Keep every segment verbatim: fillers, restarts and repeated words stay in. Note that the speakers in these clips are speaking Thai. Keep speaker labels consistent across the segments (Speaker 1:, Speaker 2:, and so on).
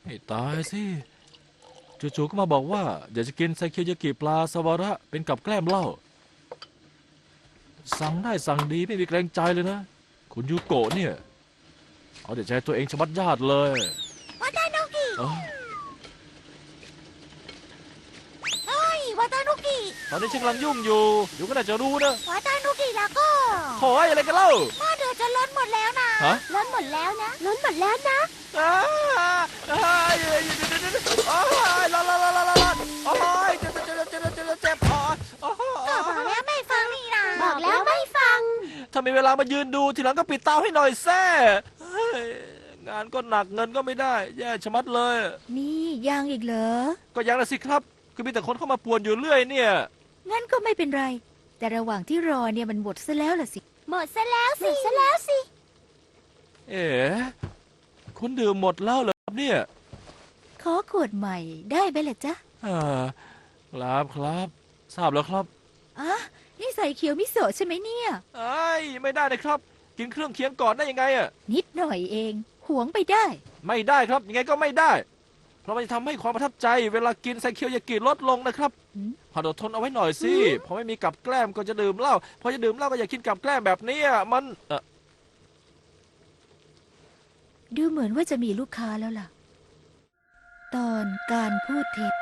Speaker 1: ให้ตายสิจู่ๆก็มาบอกว่าอยากจะกินไซเคียวยากิปลาซาวาระเป็นกับแกล้มเหล้าสั่งได้สั่งดีไม่มีเกรงใจเลยนะคุณยูโกะเนี่ยเอาแต่ใจตัวเองชะมัดญาติเลยว
Speaker 2: าตานุกิ
Speaker 1: เอ้า
Speaker 2: เฮ้ยวาตานุกิ
Speaker 1: ตอนนี้ฉันกำลังยุ่งอยู่เดี๋ยวก็น่าจะรู้นะ
Speaker 2: วาตานุกิแล้วก็
Speaker 1: โถ่อะไรกันเล่า
Speaker 2: หม้อเดือดจะล้นหมดแล้วนะ
Speaker 1: ฮะ
Speaker 2: ล้นหมดแล้วนะล้นหมดแล้วนะ
Speaker 1: อ้าอ้ายเดี๋ยวเดี๋ยวเดี๋ยวเดี๋ยวโอ้ยร้อนร้อนร้อนร้อนร้อนโอ้ยเจ็บเจ็บเจ็บเจ็บเจ็บเจ็บโอ้ยโอ้ย
Speaker 2: ก็บอกแล้วไม่ฟังนี่นะบอกแล้วไม่ฟัง
Speaker 1: ถ้ามีเวลามายืนดูทีหลังก็ปิดเตาให้หน่อยแซ่เฮ้ยงานก็หนักเงินก็ไม่ได้แย่ชะมัดเลย
Speaker 3: นี่ยังอีกเหรอ
Speaker 1: ก็ยังนะสิครับคือมีแต่คนเข้ามาป่วนอยู่เรื่อยเนี่ย
Speaker 3: งั้นก็ไม่เป็นไร แต่ระหว่างที่รอเนี่ยมันหมดซะแล้วล่ะสิ
Speaker 2: หมดซะแล้วสิหมดซะแล้วสิ
Speaker 1: เอ๋คุณดื่มหมดแล้วเหรอครับเนี่ย
Speaker 3: ขอขวดใหม่ได้ไหมล่ะจ๊ะ
Speaker 1: อ่าครับครับทราบแล้วครับ
Speaker 3: อ่ะนี่ใส่เขียวมิโซะใช่ไหมเนี่ย
Speaker 1: ไอ้ยไม่ได้นะครับ กินเครื่องเคียงก่อนได้ยังไงอะ
Speaker 3: นิดหน่อยเอง หวงไปได้
Speaker 1: ไม่ได้ครับยังไงก็ไม่ได้ เพราะมันจะทำให้ความประทับใจ เวลากินไซเคียวยากิลดลงนะครับ
Speaker 3: หืม
Speaker 1: หัดอดทนเอาไว้หน่อยสิพอไม่มีกับแกล้มก็จะดื่มเหล้าพอจะดื่มเหล้าก็อยากกินกับแกล้มแบบนี้อะมันเอ่อ
Speaker 3: ดูเหมือนว่าจะมีลูกค้าแล้วล่ะ ตอนการพูดเท็จ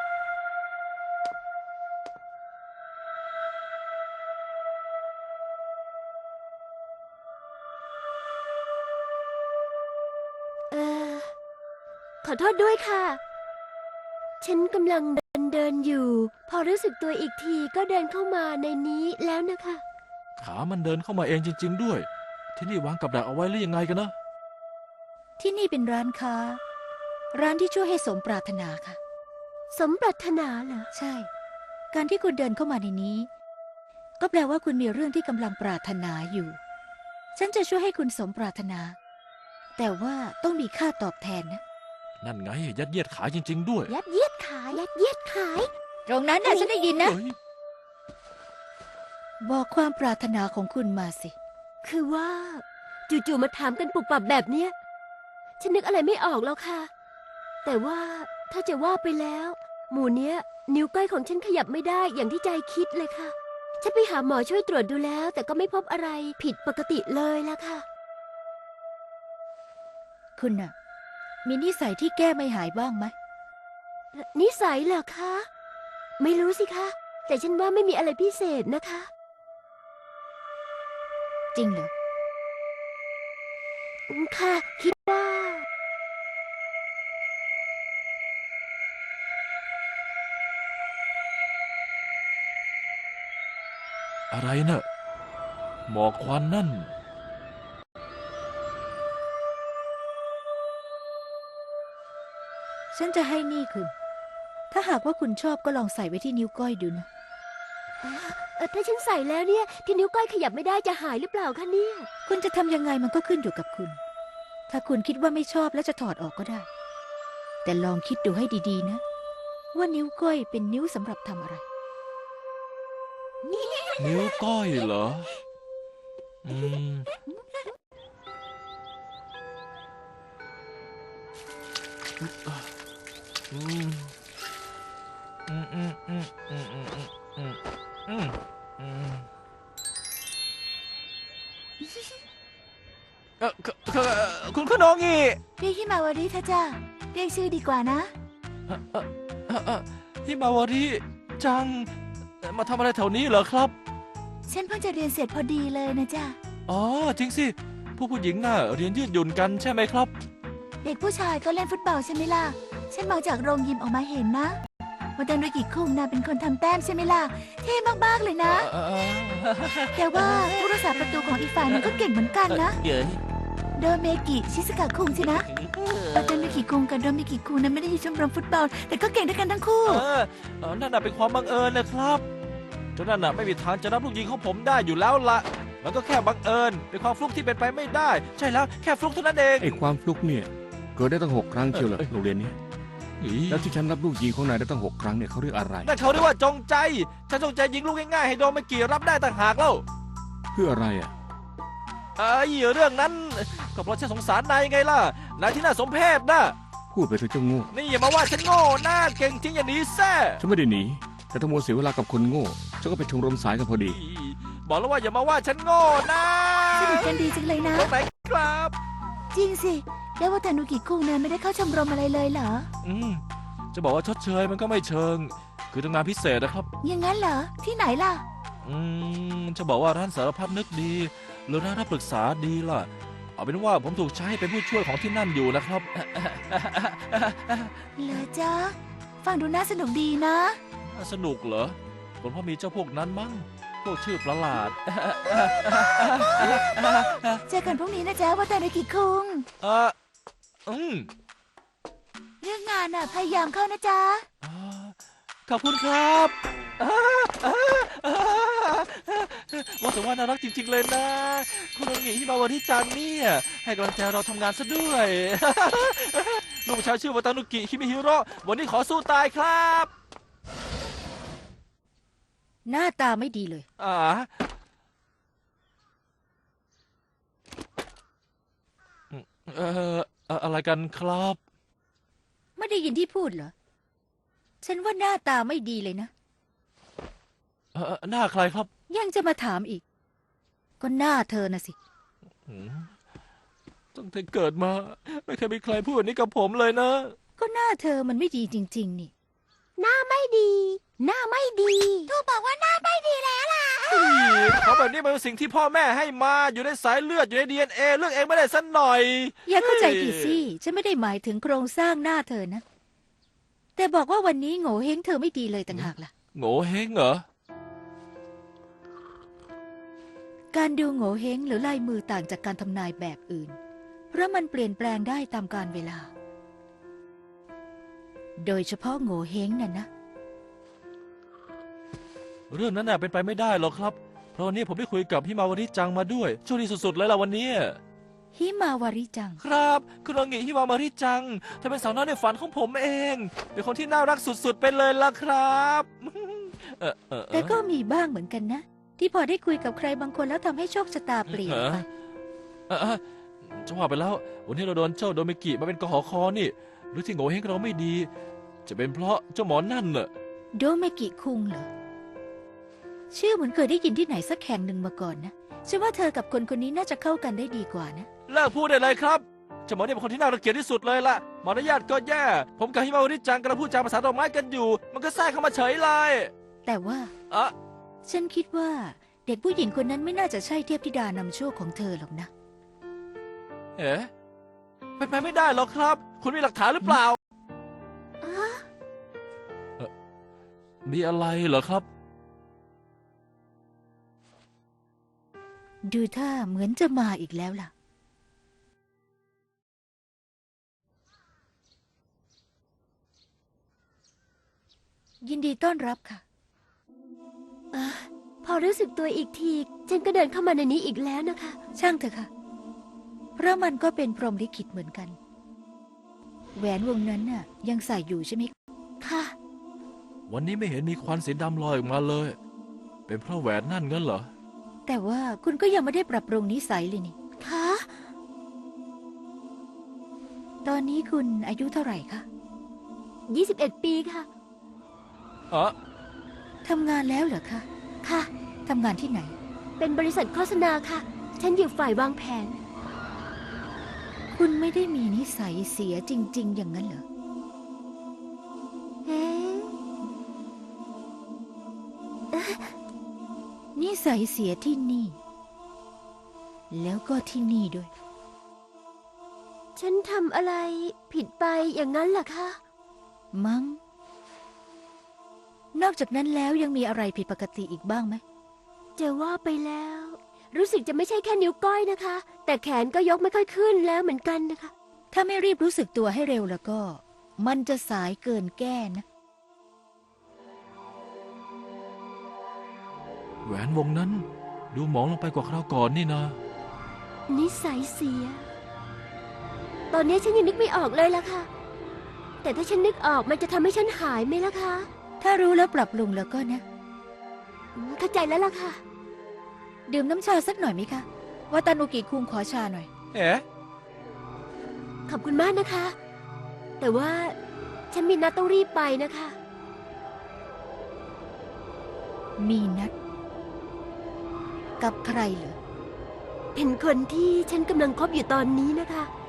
Speaker 2: เออขอโทษด้วยค่ะ ฉันกำลังเดินเดินอยู่ พอรู้สึกตัวอีกทีก็เดินเข้ามาในนี้แล้วนะคะ
Speaker 1: ขามันเดินเข้ามาเองจริง ๆ ด้วย ที่นี่วางกับดักเอาไว้หรือยังไงกันนะ
Speaker 3: ที่นี่เป็นร้านค้า ร้านที่ช่วยให้สมปรารถนาค่ะ
Speaker 2: สมปรารถนาเหรอ
Speaker 3: ใช่ การที่คุณเดินเข้ามาในนี้ ก็แปลว่าคุณมีเรื่องที่กำลังปรารถนาอยู่ ฉันจะช่วยให้คุณสมปรารถนา แต่ว่าต้องมีค่าตอบแทนนะ
Speaker 1: นั่นไงยัดเยียดขายจริง ๆ ด้วย
Speaker 2: ยัดเยียดขาย ยัดเยียดขาย
Speaker 3: ตรงนั้นน่ะฉันได้ยินนะ
Speaker 1: เฮ้ย
Speaker 3: บอกความปรารถนาของคุณมาสิ
Speaker 2: คือว่า จู่ๆมาถามกันปุบปับแบบเนี้ย ฉันนึกอะไรไม่ออกแล้วค่ะ แต่ว่าถ้าจะว่าไปแล้ว หมู่เนี้ย นิ้วก้อยของฉันขยับไม่ได้อย่างที่ใจคิดเลยค่ะ ฉันไปหาหมอช่วยตรวจดูแล้ว แต่ก็ไม่พบอะไรผิดปกติเลยละค่ะ
Speaker 3: คุณน่ะ มีนิสัยที่แก้ไม่หายบ้างไหม
Speaker 2: นิสัยเหรอคะ ไม่รู้สิคะ แต่ฉันว่าไม่มีอะไรพิเศษนะคะ
Speaker 3: จริงเหรอ
Speaker 2: อืมค่ะ คิดว่า
Speaker 1: อะไรเนะ่ะหมอกควันนั่น
Speaker 3: ฉันจะให้นี่คุณ ถ้าหากว่าคุณชอบก็ลองใส่ไว้ที่นิ้วก้อยดูนะ
Speaker 2: เออถ้าฉันใส่แล้วเนี่ย ที่นิ้วก้อยขยับไม่ได้จะหายหรือเปล่าคะเนี่ย
Speaker 3: คุณจะทำยังไงมันก็ขึ้นอยู่กับคุณ ถ้าคุณคิดว่าไม่ชอบแล้วจะถอดออกก็ได้ แต่ลองคิดดูให้ดีๆนะ ว่านิ้วก้อยเป็นนิ้วสำหรับทำอะไร
Speaker 1: นิ้วก้อยเหรอ อืม อืม อืม อืม อืม อืม อืม อืม อืม อืมเออคือคือคุณคุณโองอี
Speaker 3: เรียกฮิมาวาริเถอะจ้าเรียกชื่อดีกว่านะ
Speaker 1: เอ่อเอ่อเอ่อเอ่อฮิมาวาริจัง มาทำอะไรแถวนี้เหรอครับ
Speaker 3: ฉันเพิ่งจะเรียนเสร็จพอดีเลยนะจ้า
Speaker 1: อ๋อ จริงสิ ผู้ผู้หญิงน่ะเรียนยืดหยุ่นกันใช่ไหมครับ
Speaker 3: เด็กผู้ชายก็เล่นฟุตบอลใช่ไหมล่ะ ฉันมองจากโรงยิมออกมาเห็นนะว่าดันโดกิคุงน่ะเป็นคนทำแต้มใช่ไหมล่ะ เท่มากๆเลยนะ
Speaker 1: เอ่อเอ่อ
Speaker 3: แต่ว่าผู้รักษาประตูของอีกฝ่ายหนึงก็เก่งเหมือนกันนะ
Speaker 1: เย้ย
Speaker 3: โดเมกิชิสกะคุงใช่นะโดเมกิคุงกับโดเมกิคุงนั้นไม่ได้อยู่ชมรมฟุตบอล แต่ก็เก่งด้วยกันทั้งคู่
Speaker 1: เออเออนั่นน่ะเป็นความบังเอิญนะครับเจ้านั่นน่ะไม่มีทางจะรับลูกยิงของผมได้อยู่แล้วละมันก็แค่บังเอิญ เป็นความฟลุกที่เป็นไปไม่ได้ ใช่แล้วแค่ฟลุกเท่านั้นเอง
Speaker 4: ไอ้ความฟลุกเนี่ยเกิดได้ตั้งหกครั้งเชียวเหรอ
Speaker 1: เอ้ย
Speaker 4: โรงเรียนนี้
Speaker 1: อี
Speaker 4: แล้วที่ฉันรับลูกยิงของนายได้ตั้งหกครั้งเนี่ยเขาเรียกอะไร
Speaker 1: นั่นเขาเรียกว่าจงใจ ฉันจงใจยิงลูกง่ายๆให้โดนไม่กี่รับได้ต่างหากแล้ว
Speaker 4: เพื่ออะไรอ่ะ
Speaker 1: ไอ้เรื่องนั้นก็เพราะฉันสงสารนายไงล่ะ นายที่น่าสมเพชนะ
Speaker 4: พูดไปเถอะเจ้าโง่
Speaker 1: นี่อย่ามาว่าฉันโง่หน้าเก่งจริงอย่างนี้แซ่
Speaker 4: ฉันไม่ได้หนี แต่ถ้ามัวเสียเวลากับคนโง่ ฉันก็ไปชมรมสายกันพอดี
Speaker 1: บอกแล้วว่าอย่ามาว่าฉันโง่นะ
Speaker 3: สนิทกันดีจังเลยนะ
Speaker 1: ตรงไหนครับ
Speaker 3: จริงสิ แล้วว่าทานุกิคุงเนี่ยไม่ได้เข้าชมรมอะไรเลยเหรอ
Speaker 1: อืมจะบอกว่าชดเชยมันก็ไม่เชิง คือทำงานพิเศษนะครับ
Speaker 3: อย่างนั้นเหรอ ที่ไหนล่ะ
Speaker 1: อืมจะบอกว่าร้านสารพัดนึกดี หรือร้านรับปรึกษาดีล่ะ เอาเป็นว่าผมถูกใช้ให้เป็นผู้ช่วยของที่นั่นอยู่นะครับ
Speaker 3: เหรอจ๊ะ ฟังดูน่าสนุกดีนะ
Speaker 1: สนุกเหรอผมเพราะมีเจ้าพวกนั้นมั้งพวกชื่อประหลาด
Speaker 3: เจอกันพรุ่งนี้นะจ๊ะว่าทานุกิคุง
Speaker 1: เอออืม
Speaker 3: เรื่องงานน่ะพยายามเข้านะจ๊ะ
Speaker 1: อ่าขอบคุณครับ อ่าอ่าอ่าว่าแต่ว่าน่ารักจริง ๆ เลยนะ คุณองค์หญิงฮิมาวาริจังเนี่ยให้กำลังใจเราทำงานซะด้วย ลูกชายชื่อวาตานุกิฮิมิฮิโร่วันนี้ขอสู้ตายครับ
Speaker 3: หน้าตาไม่ดีเลย
Speaker 1: อ่าเอ่อเอ่ออะไรกันครับ
Speaker 3: ไม่ได้ยินที่พูดเหรอ ฉันว่าหน้าตาไม่ดีเลยนะ
Speaker 1: เอ่อหน้าใครครับ
Speaker 3: ยังจะมาถามอีก ก็หน้าเธอนะสิ
Speaker 1: อืมตั้งแต่เกิดมา ไม่เคยมีใครพูดแบบนี้กับผมเลยนะ
Speaker 3: ก็หน้าเธอมันไม่ดีจริง ๆ นี่
Speaker 2: หน้าไม่ดี หน้าไม่ดีทูบอกว่าหน้าไม่ดีแล้วล่ะ
Speaker 1: เขาแบบนี้มันเป็นสิ่งที่พ่อแม่ให้มาอยู่ในสายเลือดอยู่ใน ดี เอ็น เอ เลือกเองไม่ได้สักหน่อย
Speaker 3: อย่าเข้าใจผิดสิ ฉันไม่ได้หมายถึงโครงสร้างหน้าเธอนะ แต่บอกว่าวันนี้โง่เฮงเธอไม่ดีเลยต่างหากล่ะ
Speaker 1: โง่เฮงเหรอ
Speaker 3: การดูโง่เฮงหรือลายมือต่างจากการทำนายแบบอื่น เพราะมันเปลี่ยนแปลงได้ตามกาลเวลา โดยเฉพาะโง่เฮงน่ะนะ
Speaker 1: เรื่องนั้นน่ะเป็นไปไม่ได้หรอกครับ เพราะวันนี้ผมได้คุยกับฮิมาวาริจังมาด้วยโชคดีสุดๆเลยล่ะวันนี้
Speaker 3: ฮิมาวาริจัง
Speaker 1: ครับคุณองค์หญิงฮิมาวาริจังเธอเป็นสาวน้อยในฝันของผมเอง เป็นคนที่น่ารักสุดๆไปเลยล่ะครับ เออเออเออ
Speaker 3: แต่ก็มีบ้างเหมือนกันนะ ที่พอได้คุยกับใครบางคนแล้วทำให้โชคชะตาเปลี่ยนไป
Speaker 1: เออเออจะว่าไปแล้ว วันนี้เราโดนเจ้าโดเมกิมาเป็นกหอคอนี่ หรือที่โง่เฮงเราไม่ดี จะเป็นเพราะเจ้าหมอนั่นน่ะ
Speaker 3: โดเมกิคุงเหรอ ชื่อเหมือนเคยได้ยินที่ไหนสักแห่งหนึ่งมาก่อนนะฉันว่าเธอกับคนคนนี้น่าจะเข้ากันได้ดีกว่านะ
Speaker 1: เลิกพูดได้เลยครับเจ้าหมอเนี่ยเป็นคนที่น่ารังเกียจที่สุดเลยล่ะมารยาทก็แย่ ผมกับฮิมาวาริจังกำลังพูดจาภาษาดอกไม้กันอยู่ มันก็แทรกเข้ามาเฉยเลย
Speaker 3: แต่ว่า
Speaker 1: อะ
Speaker 3: ฉันคิดว่าเด็กผู้หญิงคนนั้นไม่น่าจะใช่เทพธิดานำโชคของเธอหรอกนะ
Speaker 1: เอ๊ะเป็นไปไม่ได้หรอกครับ คุณมีหลักฐานหรือเปล่าเอ่อมีอะไรเหรอครับ
Speaker 3: ดูท่าเหมือนจะมาอีกแล้วล่ะ ยินดีต้อนรับค่ะ
Speaker 2: เออพอรู้สึกตัวอีกที ฉันก็เดินเข้ามาในนี้อีกแล้วนะคะ
Speaker 3: ช่างเถอะค่ะ เพราะมันก็เป็นพรหมลิขิตเหมือนกัน แหวนวงนั้นน่ะ ยังใส่อยู่ใช่ไหม
Speaker 2: ค่ะ
Speaker 1: วันนี้ไม่เห็นมีควันสีดำลอยออกมาเลย เป็นเพราะแหวนนั่นงั้นเหรอ
Speaker 3: แต่ว่าคุณก็ยังไม่ได้ปรับปรุงนิสัยเลยนี่
Speaker 2: ค่ะ
Speaker 3: ตอนนี้คุณอายุเท่าไหร่คะ
Speaker 2: ยี่สิบเอ็ด ปีค่ะ
Speaker 1: อะ
Speaker 3: ทำงานแล้วเหรอคะ
Speaker 2: ค่ะ
Speaker 3: ทำงานที่ไหน
Speaker 2: เป็นบริษัทโฆษณาค่ะ ฉันอยู่ฝ่ายวางแผน
Speaker 3: คุณไม่ได้มีนิสัยเสียจริง ๆ อย่างนั้นเหรอ
Speaker 2: เอ๊ะ
Speaker 3: นิสัยเสียที่นี่ แล้วก็ที่นี่ด้วย
Speaker 2: ฉันทำอะไรผิดไปอย่างนั้นเหรอคะ
Speaker 3: มั้ง นอกจากนั้นแล้วยังมีอะไรผิดปกติอีกบ้างไหม
Speaker 2: จะว่าไปแล้ว รู้สึกจะไม่ใช่แค่นิ้วก้อยนะคะ แต่แขนก็ยกไม่ค่อยขึ้นแล้วเหมือนกันนะคะ
Speaker 3: ถ้าไม่รีบรู้สึกตัวให้เร็วแล้วก็ มันจะสายเกินแก้นะ
Speaker 1: แหวนวงนั้น ดูหมองลงไปกว่าคราวก่อนนี่นะ
Speaker 2: นิสัยเสีย ตอนนี้ฉันยังนึกไม่ออกเลยล่ะค่ะ แต่ถ้าฉันนึกออกมันจะทำให้ฉันหายไหมล่ะคะ
Speaker 3: ถ้ารู้แล้วปรับปรุงแล้วก็นะ
Speaker 2: อืมเข้าใจแล้วล่ะค่ะ
Speaker 3: ดื่มน้ำชาสักหน่อยไหมคะวาตานุกิคุงขอชาหน่อย
Speaker 1: เอ๊ะ
Speaker 2: ขอบคุณมากนะคะแต่ว่าฉันมีนัดต้องรีบไปนะคะ
Speaker 3: มีนัด กับใครเหรอ
Speaker 2: เป็นคนที่ฉันกำลังคบอยู่ตอนนี้นะคะ